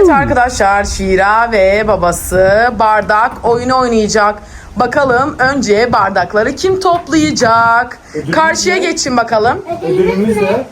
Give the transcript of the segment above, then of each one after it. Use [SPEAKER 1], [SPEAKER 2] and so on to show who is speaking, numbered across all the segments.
[SPEAKER 1] arkadaşlar, Şira ve babası bardak oyunu oynayacak. Bakalım önce bardakları kim toplayacak?
[SPEAKER 2] Ödülümüz
[SPEAKER 1] Karşıya
[SPEAKER 2] ne?
[SPEAKER 1] geçin bakalım.
[SPEAKER 2] Ödülümüz ne?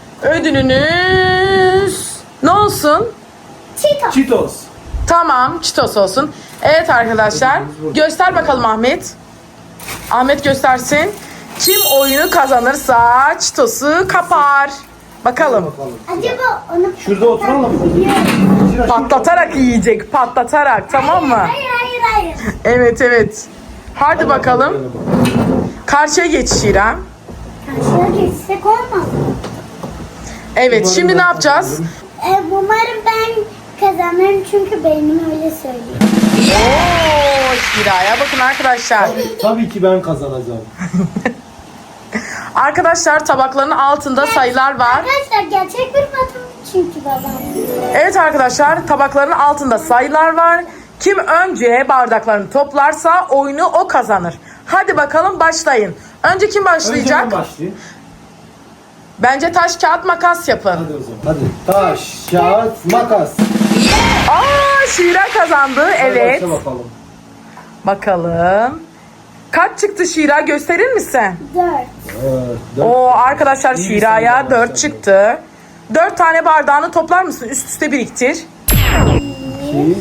[SPEAKER 1] Ödülünüz ne olsun?
[SPEAKER 2] Cheetos.
[SPEAKER 1] Tamam, Cheetos olsun. Evet arkadaşlar, göster bakalım Ahmet. Ahmet göstersin. Kim oyunu kazanırsa Cheetos'u kapar. Bakalım.
[SPEAKER 3] Acaba onu
[SPEAKER 2] Şurada oturalım mı? Şira,
[SPEAKER 1] Patlatarak yiyecek, patlatarak, tamam mı?
[SPEAKER 3] Hayır.
[SPEAKER 1] Evet evet. Hadi bakalım. Karşıya geç Şira.
[SPEAKER 3] Karşıya geçsek olmaz.
[SPEAKER 1] Evet, şimdi ne yapacağız?
[SPEAKER 3] Umarım ben kazanırım çünkü beynim öyle söylüyor.
[SPEAKER 1] Oo, Şira'ya bakın arkadaşlar.
[SPEAKER 2] Tabii ki ben kazanacağım.
[SPEAKER 1] Arkadaşlar, tabakların altında sayılar var.
[SPEAKER 3] Arkadaşlar gerçek bir matematik çünkü babam.
[SPEAKER 1] Evet arkadaşlar, tabakların altında sayılar var. Kim önce bardaklarını toplarsa oyunu o kazanır. Hadi bakalım, başlayın. Önce kim
[SPEAKER 2] Önce
[SPEAKER 1] başlayacak?
[SPEAKER 2] ben başlayayım.
[SPEAKER 1] Bence taş, kağıt, makas yapın.
[SPEAKER 2] Hadi o zaman. Hadi. Taş, kağıt, makas.
[SPEAKER 1] Aa, Şira kazandı.
[SPEAKER 2] Hadi
[SPEAKER 1] Evet.
[SPEAKER 2] başla bakalım.
[SPEAKER 1] Bakalım. Kaç çıktı Şira, gösterir misin?
[SPEAKER 3] 4.
[SPEAKER 2] Evet,
[SPEAKER 1] Oo arkadaşlar,
[SPEAKER 2] İyi
[SPEAKER 1] Şira'ya
[SPEAKER 2] sayıdan
[SPEAKER 1] 4
[SPEAKER 2] başladı.
[SPEAKER 1] çıktı. 4 tane bardağını toplar mısın? Üst üste biriktir.
[SPEAKER 2] 2,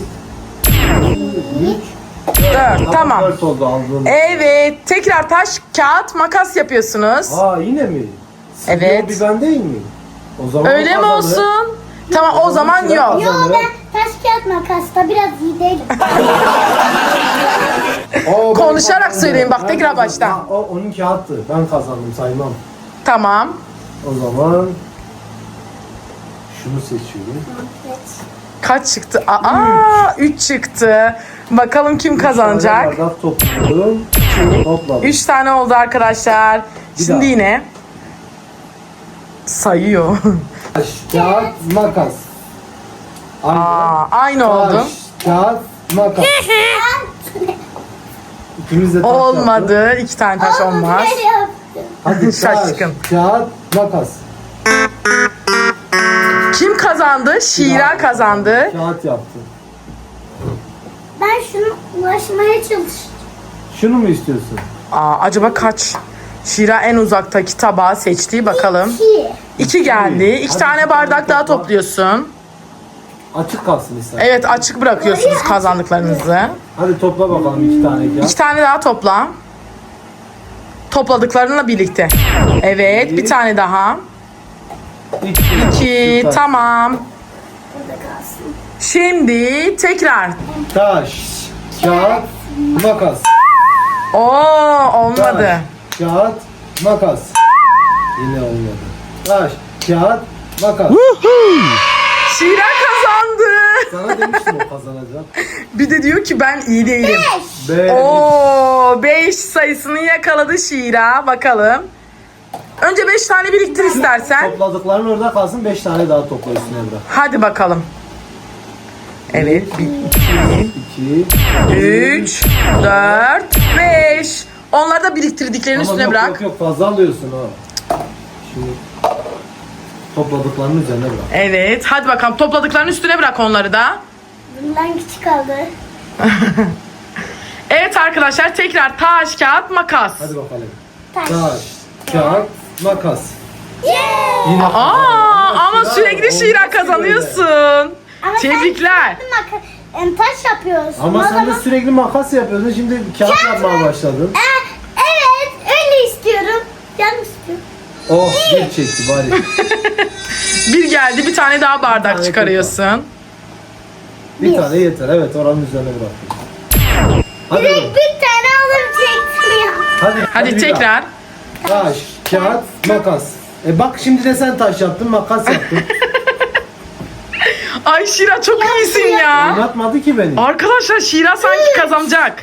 [SPEAKER 1] 4, tamam.
[SPEAKER 2] 4 oldu aldığım.
[SPEAKER 1] Evet, tekrar taş, kağıt, makas yapıyorsunuz.
[SPEAKER 2] Aa, yine mi?
[SPEAKER 1] Evet.
[SPEAKER 2] Bir ben değil mi? O zaman
[SPEAKER 1] Öyle mi
[SPEAKER 2] kazanır.
[SPEAKER 1] olsun? Tamam, o zaman
[SPEAKER 2] Şira
[SPEAKER 1] yok.
[SPEAKER 3] Yo
[SPEAKER 2] kazanır.
[SPEAKER 3] ben taş kağıt makasta biraz iyi değilim.
[SPEAKER 2] O, ben
[SPEAKER 1] Konuşarak
[SPEAKER 2] kazandım.
[SPEAKER 1] söyleyin, bak,
[SPEAKER 2] Ben
[SPEAKER 1] tekrar
[SPEAKER 2] kazandım.
[SPEAKER 1] baştan.
[SPEAKER 2] Ha, o onun kağıttı. Ben kazandım, saymam.
[SPEAKER 1] Tamam.
[SPEAKER 2] O zaman şunu seçiyorum.
[SPEAKER 1] Kaç çıktı? Aa, 3 çıktı. Bakalım kim kazanacak?
[SPEAKER 2] Bir tane bardak topladım. Topladım.
[SPEAKER 1] 3 tane oldu arkadaşlar.
[SPEAKER 2] Bir
[SPEAKER 1] Şimdi
[SPEAKER 2] daha.
[SPEAKER 1] yine sayıyor.
[SPEAKER 2] Taş, kağıt, makas. Aynı.
[SPEAKER 1] Aynı oldu.
[SPEAKER 2] Taş, kağıt, makas. İkimiz de taş yaptık.
[SPEAKER 1] Olmadı. 2 tane taş olmaz.
[SPEAKER 3] Böyle yaptım.
[SPEAKER 2] Hadi taş,
[SPEAKER 1] Şaşkın.
[SPEAKER 2] kağıt, makas.
[SPEAKER 1] Kim kazandı? Şira kazandı.
[SPEAKER 2] Kağıt yaptı.
[SPEAKER 3] Ben şunu ulaşmaya çalıştım.
[SPEAKER 2] Şunu mu istiyorsun?
[SPEAKER 1] Acaba kaç? Şira en uzaktaki tabağı seçti. Bakalım.
[SPEAKER 3] 2.
[SPEAKER 1] 2 geldi. 2
[SPEAKER 2] Hadi
[SPEAKER 1] tane
[SPEAKER 2] bir
[SPEAKER 1] bardak
[SPEAKER 2] tane
[SPEAKER 1] daha
[SPEAKER 2] topla.
[SPEAKER 1] topluyorsun.
[SPEAKER 2] Açık kalsın istersen.
[SPEAKER 1] Evet, açık bırakıyorsunuz kazandıklarınızı.
[SPEAKER 2] Hadi topla bakalım 2 tane kağıt.
[SPEAKER 1] 2 tane daha topla. Topladıklarınla birlikte. Evet, bir tane daha. 2,
[SPEAKER 2] Süper.
[SPEAKER 1] tamam.
[SPEAKER 3] Burada kalsın.
[SPEAKER 1] Şimdi tekrar.
[SPEAKER 2] Taş, kağıt, makas.
[SPEAKER 1] Oo, olmadı.
[SPEAKER 2] Taş, kağıt, makas. Yine olmadı. Taş, kağıt, makas.
[SPEAKER 1] Şira kazandı.
[SPEAKER 2] Sana demiştim o kazanacak.
[SPEAKER 1] Bir de diyor ki ben iyi değilim.
[SPEAKER 2] 5.
[SPEAKER 1] Oo, 5 sayısını yakaladı Şira. Bakalım. Önce 5 tane biriktir istersen.
[SPEAKER 2] Topladıkların orada kalsın, 5 tane daha topla üstüne bırak.
[SPEAKER 1] Hadi bakalım. Evet.
[SPEAKER 2] 2.
[SPEAKER 1] 3, 4, 5. Onları da biriktirdiklerini
[SPEAKER 2] Ama
[SPEAKER 1] üstüne
[SPEAKER 2] yok,
[SPEAKER 1] bırak.
[SPEAKER 2] yok fazla alıyorsun ha. Şimdi topladıklarının üzerine bırak.
[SPEAKER 1] Evet. Hadi bakalım. Topladıklarının üstüne bırak onları da.
[SPEAKER 3] Bundan küçük kaldı.
[SPEAKER 1] Evet arkadaşlar, tekrar taş, kağıt, makas.
[SPEAKER 2] Hadi bakalım.
[SPEAKER 3] Taş.
[SPEAKER 2] Taş, kağıt, makas.
[SPEAKER 3] Yeah.
[SPEAKER 2] Yine
[SPEAKER 1] Ama sürekli Şira kazanıyorsun.
[SPEAKER 3] Ama
[SPEAKER 1] Tebrikler.
[SPEAKER 3] taş yapıyoruz.
[SPEAKER 2] Ama
[SPEAKER 3] O
[SPEAKER 2] sen de
[SPEAKER 3] zaman-
[SPEAKER 2] sürekli makas yapıyordun. Şimdi kağıt yapmaya başladın.
[SPEAKER 3] Evet öyle istiyorum. Canım istiyorum.
[SPEAKER 2] Oh, bir çekti bari.
[SPEAKER 1] Bir geldi, bir tane daha bardak
[SPEAKER 2] tane
[SPEAKER 1] çıkarıyorsun.
[SPEAKER 2] Bir tane yeter. Evet, oranın üzerine bırak. Hadi.
[SPEAKER 3] Bir tane alacaktım ya.
[SPEAKER 1] Hadi
[SPEAKER 2] bir
[SPEAKER 1] tekrar.
[SPEAKER 2] daha. Taş, kağıt, makas. Bak şimdi de sen taş yaptın, makas yaptın.
[SPEAKER 1] Ay Şira, çok iyisin ya.
[SPEAKER 2] Anlatmadı ki beni.
[SPEAKER 1] Arkadaşlar, Şira sanki kazanacak.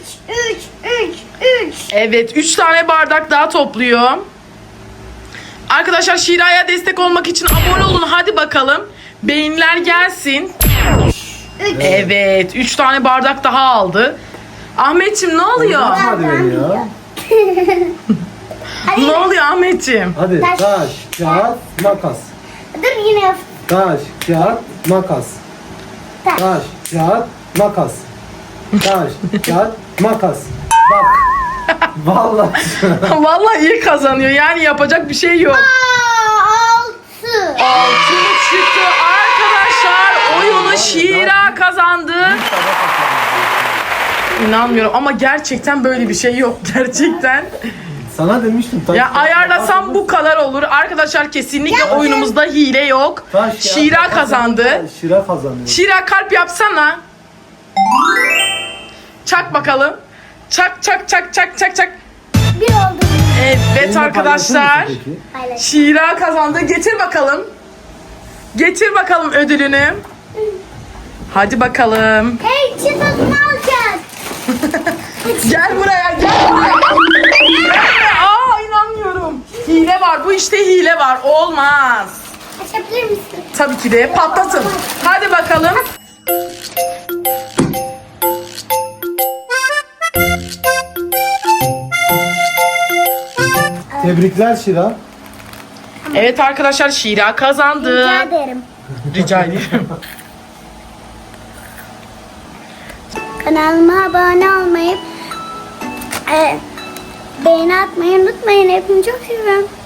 [SPEAKER 3] 3.
[SPEAKER 1] Evet, 3 tane bardak daha topluyor. Arkadaşlar, Şira'ya destek olmak için abone olun. Hadi bakalım. Beğeniler gelsin. Evet, 3 tane bardak daha aldı. Ahmetciğim, ne oluyor?
[SPEAKER 2] Anlatmadı beni ya.
[SPEAKER 1] Ne oluyor Ahmetciğim?
[SPEAKER 2] Hadi
[SPEAKER 3] Taş.
[SPEAKER 2] taş, kağıt, makas.
[SPEAKER 3] Dur yine yap.
[SPEAKER 2] Taş, kağıt, makas. Taş, kağıt, makas. Taş, kağıt, makas. Bak. Vallahi.
[SPEAKER 1] Vallahi iyi kazanıyor. Yani yapacak bir şey yok.
[SPEAKER 3] 6.
[SPEAKER 1] Altın çıktı. Arkadaşlar oyunu Şira kazandı. İnanmıyorum ama gerçekten böyle bir şey yok. Gerçekten.
[SPEAKER 2] Sana demiştim. Taş,
[SPEAKER 1] Ya ayarlasam bu kadar olur. Arkadaşlar kesinlikle oyunumuzda hile yok.
[SPEAKER 2] Taş, kağıt,
[SPEAKER 1] Şira
[SPEAKER 2] makas.
[SPEAKER 1] kazandı.
[SPEAKER 2] Şira kazanıyor.
[SPEAKER 1] Şira kalp yapsana. Çak bakalım. Çak çak çak çak çak çak.
[SPEAKER 3] Bir oldu.
[SPEAKER 1] Evet
[SPEAKER 2] Benimle
[SPEAKER 1] arkadaşlar.
[SPEAKER 2] paylaşır mısın peki?
[SPEAKER 3] Paylaş.
[SPEAKER 1] Şira kazandı. Getir bakalım. Getir bakalım ödülünü. Hadi bakalım.
[SPEAKER 3] Hey çikolata alacağız.
[SPEAKER 1] Gel buraya gel buraya. Gelme. Aa inanmıyorum. Hile var. Bu işte hile var. Olmaz.
[SPEAKER 3] Açabilir misin?
[SPEAKER 1] Tabii ki de patlatın. Hadi bakalım.
[SPEAKER 2] Tebrikler Şira.
[SPEAKER 1] Evet arkadaşlar Şira kazandı.
[SPEAKER 3] Rica ederim.
[SPEAKER 1] Rica ederim.
[SPEAKER 3] Kanalıma abone olmayı, beğeni atmayı unutmayın. Hepinizi çok seviyorum.